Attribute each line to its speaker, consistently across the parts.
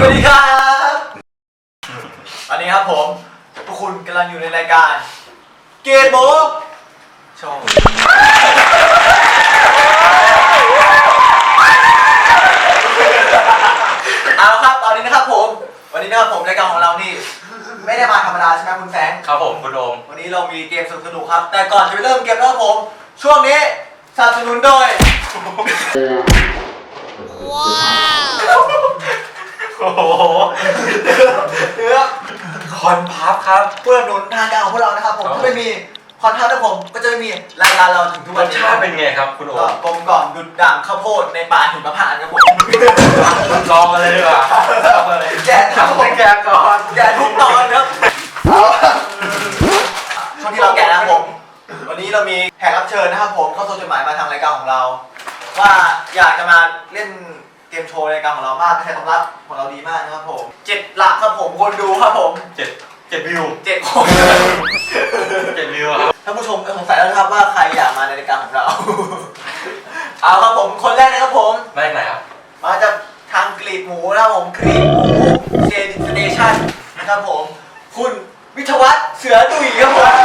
Speaker 1: วัสดีครับวันนี้ครับผมพวกคุณกำลังอยู่ในรายการเกมโมโชว์เอาครับตอนนี้นะครับผมวันนี้นะครับผมรายการของเรานี่ไม่ได้มาธรรมดาใช่ไหมคุณแฟง
Speaker 2: ครับผมคุณโอม
Speaker 1: วันนี้เรามีเกมสนุกๆครับแต่ก่อนจะไปเริ่มเกมนะครับผมช่วงนี้สนับสนุนโดย
Speaker 2: โอ้โห
Speaker 1: เนื้อคอนพับครับเพื่อหนุนทางการของพวกเรานะครับผมถ้าไม่มีคอนพับนะผมก็จะไม่มีรายการเราถึงทุก
Speaker 2: ร
Speaker 1: วัน
Speaker 2: ส
Speaker 1: นี้
Speaker 2: ชาติเป็นไงครับคุณโอม
Speaker 1: กลมกล่อมดุดด่างข้าวโพดในป่าหิมพานต์ครับผม
Speaker 2: ลองกันเลยดีกว่า
Speaker 1: แกะทำให้แกะก่อนแกะทุกตอนครับช่วงที่เราแกะนะครับผมวันนี้เรามีแขกรับเชิญนะครับผมเข้าส่งจดหมายมาทางรายการของเราว่าอยากจะมาเล่นเกมโชว์รายการของเรามากกระแสตอบรับของเราดีมากนะครับผม7 หลักครับผมคนดูครับผม
Speaker 2: 7 วิว
Speaker 1: 7 คน
Speaker 2: 7 วิวครับ
Speaker 1: ท่านผู้ชมสงสัยแล้วนะครับว่าใครอยากมาในรายการของเรา เอาครับผมคนแรกนะครับผม
Speaker 2: มาจากไหนครับ
Speaker 1: มาจากทางกรีบหมูนะครับผมกรีบหมูเจนสเตชันนะครับผมคุณวิทยวัฒน์เสือดุยครับผม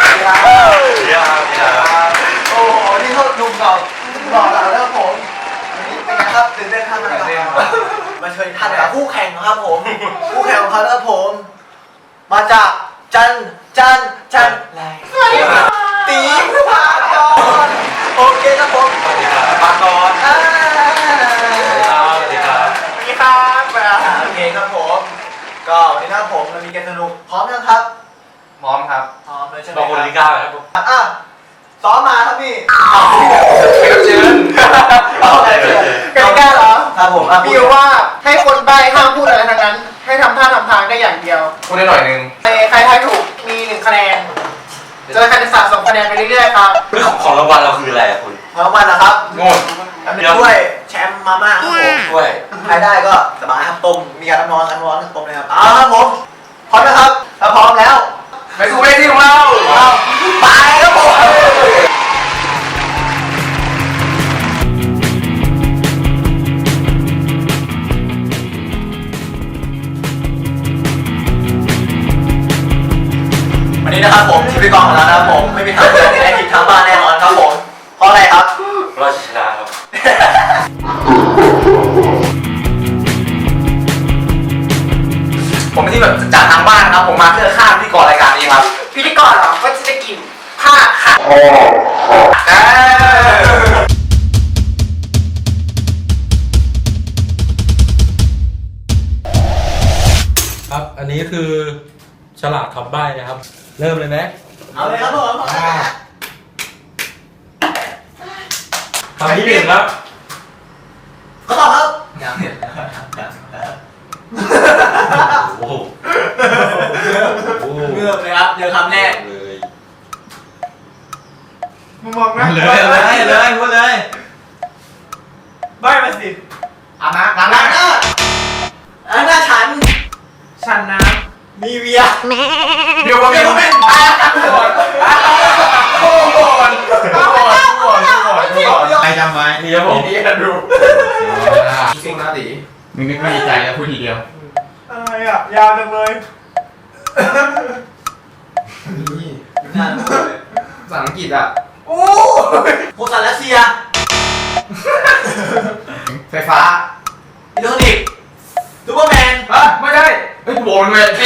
Speaker 1: โอ้โหนี่เขาดุเก่าหล่อเหลาแล้วครับผมวันนี้เป็นไงครับตื่นเต้นท่านมาเชิญท่านกับคู่แข่งครับผมคู่แข่งของเขาครับผมมาจากจันไรตีพากรโอเคครับผม
Speaker 2: ปากรสวัสดีครับ
Speaker 1: โอเคครับผมก็วันนี้นะครับผมเรามีเกมสนุกพร้อมยังครับ
Speaker 2: พร้อมครับ
Speaker 1: พร้อมเลยใช่ไหม
Speaker 2: บอกคนที่9ครับผม
Speaker 1: ซ้อมมาครับพี่
Speaker 2: เชิญ
Speaker 1: กติกาเหรอครับผม
Speaker 3: มีว่าให้คนใบ้ห้ามพูดอะไรทั้งนั้นให้ทำท่าทำทางได้อย่างเดียว
Speaker 2: พูดได้หน่อยนึง
Speaker 3: ใครทายถูกมี1 คะแนนจะได้คะแนน2 คะแนนไปเรื่อยๆครับ
Speaker 2: ของรางวัลเราคืออะไรคุณ
Speaker 1: รางวัลนะครับ
Speaker 2: โง่
Speaker 1: ด้วยแชมป์มาม่าครับผม
Speaker 2: ด้วย
Speaker 1: ใครได้ก็สบายครับต้มมีการน้ำร้อนต้มเลยครับครับผมพร้อมนะครับถ้าพร้อมแล้ว
Speaker 2: ไปสู่เวทีของเรา
Speaker 1: ไปครับผมวันนี้นะครับผมชีวิตกองของเรานะครับผมไม่มีทางจะได้ผิดทางบ้านแน่นอนครับผมเพราะอะไรครับ
Speaker 2: เราชนะครับผมที่แบบจากทางบ้านนะครับผมมาเพื่อฆ่าพิธีกรรายการนี้ครับ
Speaker 3: พิธีกรเหรอก็จะได้กินผ้าค่ะ
Speaker 4: ครับอันนี้คือฉลากคำใบ้นะครับเริ่มเลยไหม
Speaker 1: เอาเลยครับผม
Speaker 4: คำที่1ครับ
Speaker 1: เขาตอบครับยังเห็น
Speaker 4: โอ้โห
Speaker 1: เงือบเลยครับเจอคำแรก
Speaker 4: เลย
Speaker 3: มึงมองนะ
Speaker 4: เลยพูดเลย
Speaker 3: ใบ้มาสิ
Speaker 1: ล้างหน้าฉันน้ำมีเวีย
Speaker 3: เดี๋ยวผมเป็น
Speaker 4: ใครจำไว้
Speaker 2: นี่ครับผม
Speaker 4: นี่
Speaker 2: กันดู
Speaker 4: สิ่งน่าดีมึงนึกไม่ดีใจแล้วพูดทีเดียว
Speaker 3: อะไรอ่ะยาวจังเลย
Speaker 4: นี่ภาษาอังกฤษอ่ะ
Speaker 1: โอ้โหสารรัสเซีย
Speaker 4: ไฟฟ้า
Speaker 1: อิเล็กทรอนิกส์ซูเปอร์แมน
Speaker 4: ไม่ได้เฮ้ยโบนเลยจี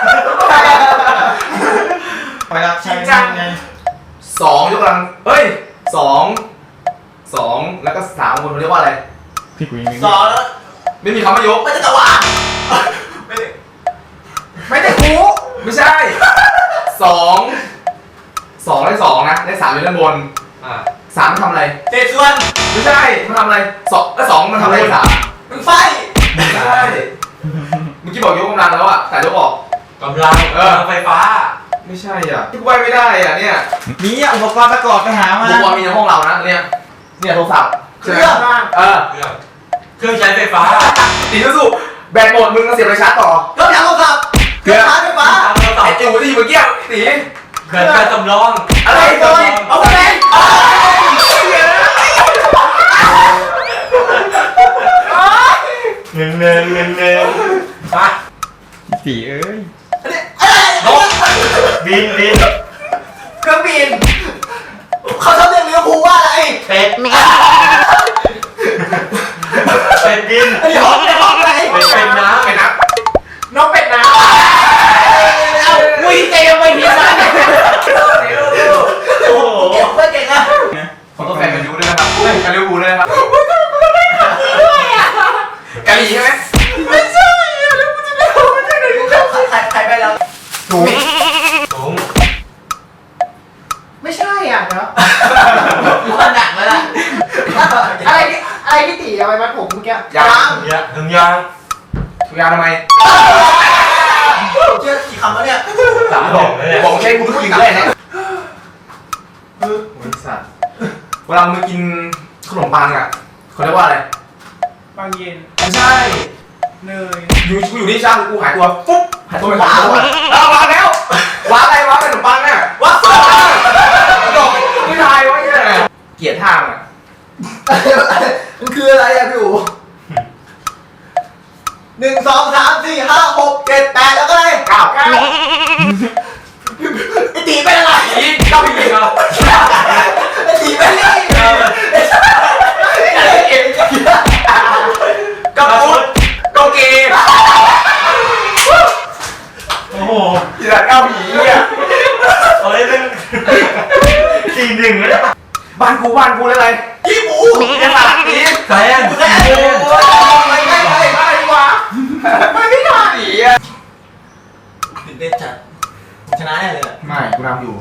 Speaker 4: ไปแล้ว
Speaker 3: จริงจัง
Speaker 4: ไง2ยกกำลังเฮ้ย2แล้วก็3คนเรียกว่าอะไร
Speaker 1: พี่กุย2แล้ว
Speaker 4: ไม่มีคำว่ายก
Speaker 1: ไม่ใช่ตะวัน
Speaker 3: ไม่ได้คู
Speaker 4: ไม่ใช่2ได้2นะได้3อยู่ด้านบน3มันทำอะไร
Speaker 1: เศษส่วน
Speaker 4: ไม่ใช่มันทำอะไร2มันทำอะไร3
Speaker 1: มันไฟ
Speaker 4: ไม่ใช่เมื่อกี้บอกยกกำลังแล้วอ่ะแต่ยกออก
Speaker 2: กำลังไฟฟ้า
Speaker 4: ไม่ใช่อ่ะที่กูไม่ได้อ่ะเนี่ย
Speaker 1: มีอุปกรณ์ประกอบไปหามา
Speaker 4: อุปกรณ์มีในห้องเรานะเนี่ยโทรศัพท์
Speaker 1: เครื่อง
Speaker 2: ใช้ไฟฟ้า
Speaker 4: ตีสู้แบตหมดมึงก็เสียบไปชาร์จต่อ
Speaker 1: เครื่องโทรศัพท์เครื่องชาร์จไฟฟ้า
Speaker 4: ไอ้จิ๋วที่เมื่อกี้ตี
Speaker 2: เกิดการจำลอง
Speaker 1: อะไรตัวเอาไปเลย
Speaker 4: เงิน
Speaker 2: สีเอ้ย
Speaker 1: อันนี้อะไร
Speaker 2: บิน
Speaker 1: เครื่องบินเขาชอบเรียกลิเวอร์พูลว่าอะไร
Speaker 2: เป็ดเป็ดบิน
Speaker 1: อันนี้ห้องอะไร
Speaker 2: เป็นน้ำ
Speaker 4: เป็นนับ
Speaker 3: น้องเป็ดน้ำอุ้ยเจมไปทีนั้น
Speaker 2: โอ้โห
Speaker 1: เก่งเพื่อนเก่งอะ
Speaker 4: ของตัวแฟนกันยูด้วยนะครับเฮ้ยกันลิเวอร์พูลด้วยนะครับกะหรี่ใช่ไหม
Speaker 3: ไม่ใช่แล้วกูจะไปเอามาจากไหน
Speaker 1: ใครไปแล้ว
Speaker 4: สูง
Speaker 2: สูง
Speaker 3: ไม่ใช่อ่ะเนาะ
Speaker 1: ว่าหนักแล้วล่ะ
Speaker 3: อะไรที่ตีเอาไปมัดผมเมื่อกี้
Speaker 4: ยาง
Speaker 2: เนี่ยถึงยาง
Speaker 4: ถุงยางทำไม
Speaker 1: เชื่อกี่คำแล้วเนี่ย
Speaker 2: สามบอกเลยเนี่ย
Speaker 4: บอกใช้คุณผู้หญิงเลยเนี่ยบริษัทเวลามึงกินขนมปังอ่ะเขาเรียกว่าอะไร
Speaker 3: บางเย็น
Speaker 4: ไม่ใช่
Speaker 3: เนย
Speaker 4: อยู่นี่ช่างกูหายตัวปุ๊บหายตัวไปว้าววางแล้วว้าอะไรว้าขนมปังเนี่ยว้าดอกไม่ทายวะเนี่ยเกลียดท่ามัน
Speaker 1: มันคืออะไรอะพี่อู๋1 2 3 4 5 6 7 8แล้วก็อะไร
Speaker 4: ก้าว
Speaker 1: ไอตีเป็นอะไร
Speaker 4: อีกก้าวอีกเหรอ
Speaker 1: ไอตีเป็นอะไรกับพุทธ
Speaker 4: โกเก
Speaker 2: โอ้โห
Speaker 4: อีสัตว์ก้าวผีเนี่ย
Speaker 2: เอ้ยเป็น4-1แล้วเนี่ย
Speaker 4: บ้านกูเลยอะไร
Speaker 1: ยี่หมู
Speaker 4: ไอ้สัตว์นี่
Speaker 2: แซน
Speaker 1: แม่ไม่ดีกว่า
Speaker 4: ไม่ได้ผีอ่ะ
Speaker 1: ตื่นเต้นจัดชนะแน่เลยอะ
Speaker 4: ไม่กูนำอยู่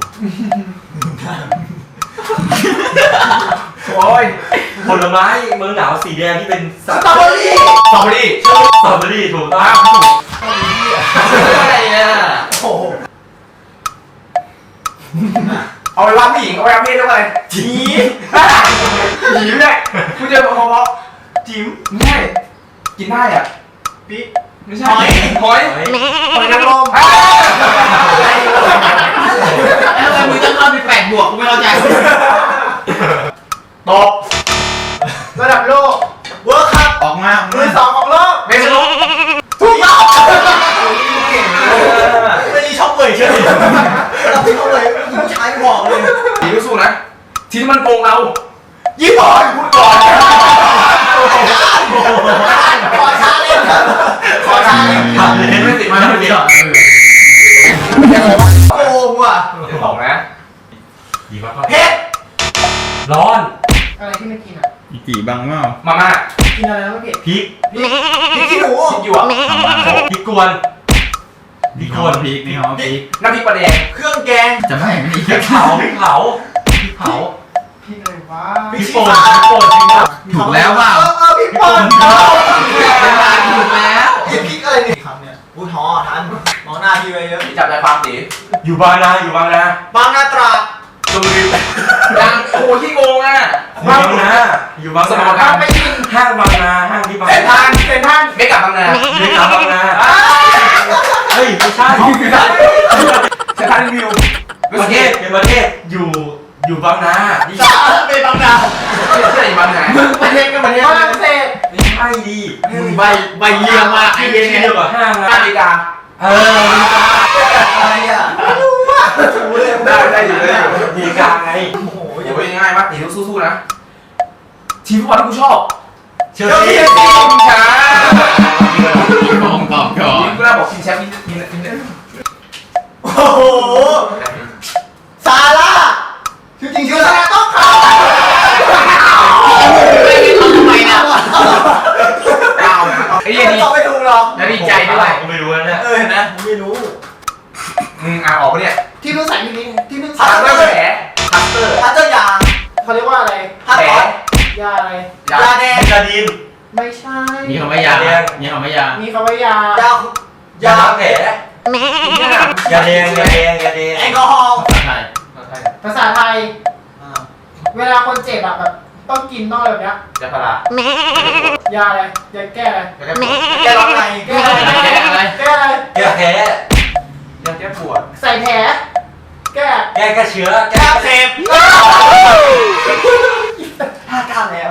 Speaker 4: โอ้ย
Speaker 2: ผลไม้เมืองหนาวสีแดงที่เป็น
Speaker 1: สตรอเบอรี่
Speaker 4: สตรอเบอรี่
Speaker 2: สตรอเบอรี่ถูกต้อง
Speaker 4: อะไรเนี่ย
Speaker 1: โอ้โห
Speaker 4: เอาไปว่าผู้หญิงเอาไปว่าเพศด้วยอะไรจีจีไม่ได้กูเจอเพราะจิ๋มไม่ใช่กินได้อ่ะ
Speaker 3: ปิ๊ก
Speaker 4: ไม่ใช่หอย
Speaker 2: เฮ้ย
Speaker 3: หอยนางรมแล้วทำไมมึงต้องเข้าไป8 บวกกูไม่เข้าใจ
Speaker 4: ตบ
Speaker 3: ระดับโลก
Speaker 1: เวิร์คคัพ
Speaker 3: ออกมา
Speaker 1: มือ 2ของโลก
Speaker 4: เมสโล
Speaker 1: ถูกต้องไม่ดีชอบเลยเชื่อเราพี่เขาเลยผู้ชายบอกเลย
Speaker 4: ทีสู้นะทีที่มันโกงเรา
Speaker 1: ญี่ปุ่น
Speaker 4: พูดก่อน
Speaker 1: ขอชาเล่นครับขอชาเล่น
Speaker 2: ผ่านเลยไม่ติดมาไม่ติด
Speaker 1: โกงว่ะ
Speaker 4: บอกนะ
Speaker 2: ดีมาก
Speaker 1: เพชร
Speaker 2: ร้อน
Speaker 3: อะไรที่ไม่กินอ่ะ
Speaker 2: อีกี่บังเปล่า
Speaker 4: มาม่า
Speaker 3: กินอะไรแล้วไม่เผ็ด
Speaker 2: พริก
Speaker 1: พี่ขี้หนู
Speaker 4: คิดอยู่อ่ะ
Speaker 2: พริกกวนพริกกวน
Speaker 5: พริกนี่เขาพริก
Speaker 4: น้ำพริกปลาแดง
Speaker 1: เครื่องแกง
Speaker 5: จะไม่มี
Speaker 2: พริกเผาพริกเผาพริกเผา
Speaker 3: พี่อะไรวะ
Speaker 2: พริกป่นพริกป่นพริกเผา
Speaker 5: ถูกแล้วเปล่า
Speaker 1: พี่ปอน
Speaker 5: ถูกแล้ว
Speaker 1: ไอ้พริกอะไรเนี่ยคำเนี่ยอุ้ยท้อทันมองหน้าพี่ไว้เยอะ
Speaker 4: จับใจความตี
Speaker 2: อยู่บางนาอยู่บางนา
Speaker 1: บางนาตราด
Speaker 2: ชลบุรี
Speaker 4: ยังโอ้ที่โกงอ่ะ
Speaker 2: อยู่บางนาอยู่บาง
Speaker 4: สม
Speaker 2: นา
Speaker 4: การ
Speaker 3: ไปกิน
Speaker 2: ห้างบางนาห้างที่บาง
Speaker 4: เซ็นทรั
Speaker 2: นา
Speaker 4: ลเซ็นทรัลไม่กลับบางนา
Speaker 2: เรียกตามบางนาเฮ้ยไม่ใช่
Speaker 4: เซ็นทรัลวิว
Speaker 2: ประเทศเป็นประเทศอยู่บางนาดิ
Speaker 1: สาเป็นบางนา
Speaker 4: เซ็นทรัลบางนา
Speaker 3: ประเทศก็ประเทศฝรั่งเศส
Speaker 2: ไม่ใช่ดิ
Speaker 5: ใบเยี่ยมมากไอ้
Speaker 2: ชื่อ
Speaker 5: เยี่ย
Speaker 2: เดียวกับห้าง
Speaker 4: อ
Speaker 2: นะ
Speaker 4: เมริกา
Speaker 1: อะไรอ่ะไม่รู้อ่ะถูเลย
Speaker 4: ได้อยู่
Speaker 2: ดีกาไง
Speaker 1: โอ้โห
Speaker 4: โอ้ยง่ายมากตีสู้ๆนะทีมฟุตบอลที่กูชอบ
Speaker 2: เชล
Speaker 4: เชล
Speaker 2: ซี
Speaker 4: ซีทีมช้า
Speaker 5: ของตอบก่อน
Speaker 4: ทีมกูน่าบอกทีมแชมป์ทีม
Speaker 1: โอ้โหซาร่าชื่อจริงชื่อซาร่าต้องเขา
Speaker 3: ไม่ได้ทำทำไมนะ
Speaker 4: ก้าวนะไอ้ยี่นี่
Speaker 1: ตอบไม่ถูกหรอก
Speaker 4: แล้วดีใจด้วย
Speaker 2: ก็ไม่รู้แล้วเนี่ย
Speaker 1: เห็นไหมไม่รู้
Speaker 4: ออกปะเนี่ย
Speaker 3: ที่รู้ใส่ที่นี้ที่นึก
Speaker 1: พัต
Speaker 4: ทั
Speaker 1: เต
Speaker 4: ต
Speaker 1: อ
Speaker 4: เตอร์
Speaker 1: ร์
Speaker 4: แผลทัตเตอร์
Speaker 1: พัตเตอร์ยาง
Speaker 3: เขาเรียกว่าอะไร
Speaker 1: พัต
Speaker 4: แผล
Speaker 1: ตอร์
Speaker 3: ยาอะไร
Speaker 4: ยาย
Speaker 1: าแดง
Speaker 2: เบตาดีน
Speaker 3: ไม่ใช่
Speaker 5: มีคำว่ายามีคำว่ายา
Speaker 3: มีคำว่ายาย
Speaker 1: าย
Speaker 2: าล้างแผลยาแดงยาแดง
Speaker 1: แอลกอฮอล์
Speaker 5: ใช่
Speaker 3: ภาษาไทย เวลาคนเจ็บอะแบบต้องกินต้องอะไรแบบเนี้ย
Speaker 4: จะพาราย
Speaker 3: าอะไรยาแก้อะไร
Speaker 1: แกร้องไง
Speaker 3: แก้อะไรแก้อะไร
Speaker 2: แก้แผล
Speaker 4: ยาแก้ปวด
Speaker 3: ใส่แผลแก้
Speaker 2: แก้เชื้อ
Speaker 1: แกเสพ5 9แล้ว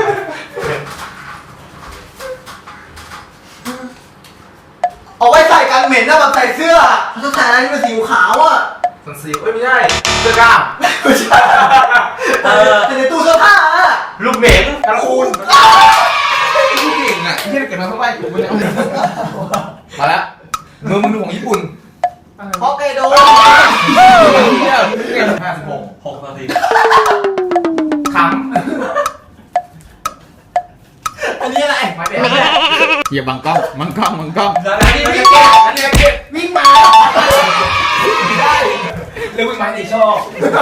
Speaker 1: เอาไว้ใส่กกันเหม็นนะแบบใส่เสื้อเขาจะใส่อะไรที่เป็นสีขาวอ่ะ
Speaker 4: สันซีไม่ใช่เสื้อกล้าม
Speaker 1: ไม่ใช่แต่ในตู้เสื้อผ้าอ่ะ
Speaker 2: ลูกเหม็น
Speaker 4: กันคูนผู้เก่งอ่ะที่เก็บมาเข้าไปกูไม่ได้มาแล้วมือมึงของญี่ปุ่น
Speaker 1: ฮอกไกโด
Speaker 4: เที่ยวเก่ง56
Speaker 2: 6 นาที
Speaker 4: คำ
Speaker 1: อันนี้อะไร
Speaker 4: มาเด็ด
Speaker 5: อย่าบังกล้องบังกล้องบังกล้อง
Speaker 4: นั่นนี่วิ่งเก็บนั่นนี่เก็บ
Speaker 1: วิ่งมา
Speaker 4: ได้เรื่องวิ่งไม้ในชอบ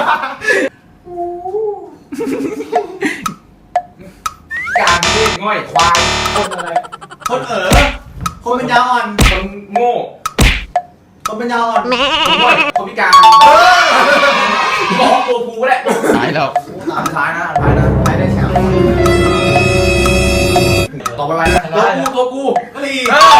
Speaker 4: การเล่นง่อยควายคนอะไร
Speaker 1: คนคนเป็นยาอ่อน
Speaker 4: คนโง่
Speaker 1: คนเป็นยาอ่อน
Speaker 4: คนง่อยคนพิการบอกตัวกูแหละ
Speaker 5: ตายแล้ว
Speaker 4: อันท้ายนะอันท้ายนะ
Speaker 1: ไปได้แชมป์
Speaker 4: ต่อไปนะตัวกู
Speaker 1: กะหรี่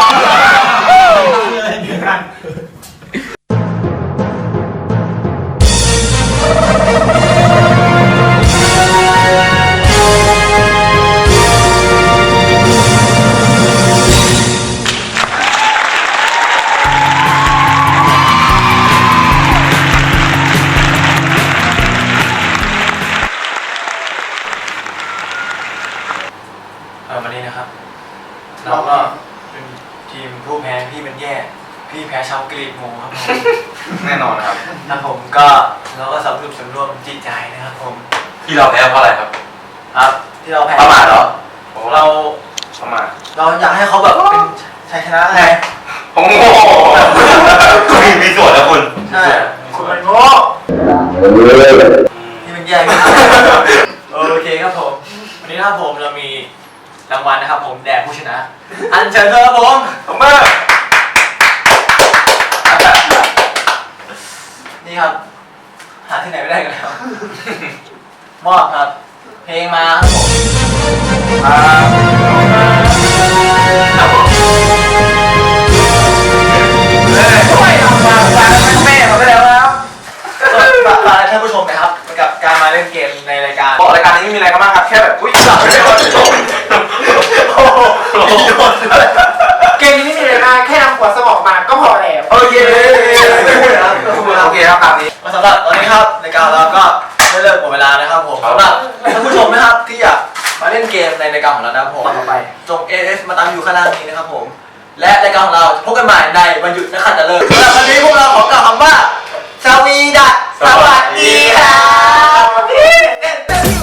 Speaker 2: วันนี้นะครับ เราก็เป็นทีมผู้แพ้พี่เป็นแย่ พี่แพ้ชาวกรีกโมครับผม
Speaker 4: แน่นอนครับ
Speaker 2: ครับผมก็เราก็สำรวมจิตใจนะครับผม
Speaker 6: ที่เราแพ้เพราะอะไรครับ
Speaker 2: ครับที่เราแพ้
Speaker 6: ประมาทเหรอ
Speaker 2: เรา
Speaker 6: ประมาท
Speaker 2: เราอยากให้เขาแบบเป็นชัยชนะไง
Speaker 6: ผมโง่คุณมีส่วนนะคุณ
Speaker 2: ใช่คุณมันโง่ที่เป็นแย่พี่โอเคครับผมวันนี้นะครับผมเรามีรางวัลนะครับผมแด่ผู้ชนะ อันเชิญเลยครับผมผมเบอร์นี่ครับหาที่ไหนไม่ได้กันแล้วมอบครับ เพลงมาครับผมครับผมช่วยเอามาแม่เขาไปแล้วนะครับฝากท่านผู้ชมนะครับกับการมาเล่นเกมในรายการ
Speaker 6: บอกรายการนี้ไม่มีอะไรกันมากครับ แค่แบบ อุ้ยสับไม่ได้ว่าจบ
Speaker 3: เกมนี้ไม่มีอะไรมากแค่นำหัวสมองมาก็พอแล้ว
Speaker 6: โอเคโอเคครับตามนี้
Speaker 2: สำหรับตอนนี้ครับรายการเราก็ได้เลิกหมดเวลานะครับผมสำหรับท่านผู้ชมนะครับที่อยากมาเล่นเกมในรายการของเรานะครับผมจง AS มาตามอยู่ข้างล่างนี้นะครับผมและรายการของเราพบกันใหม่ในวันหยุดนักขัตฤกษ์สำหรับวันนี้พวกเราขอกล่าวคำว่าสวีดัสสวัสดีครับ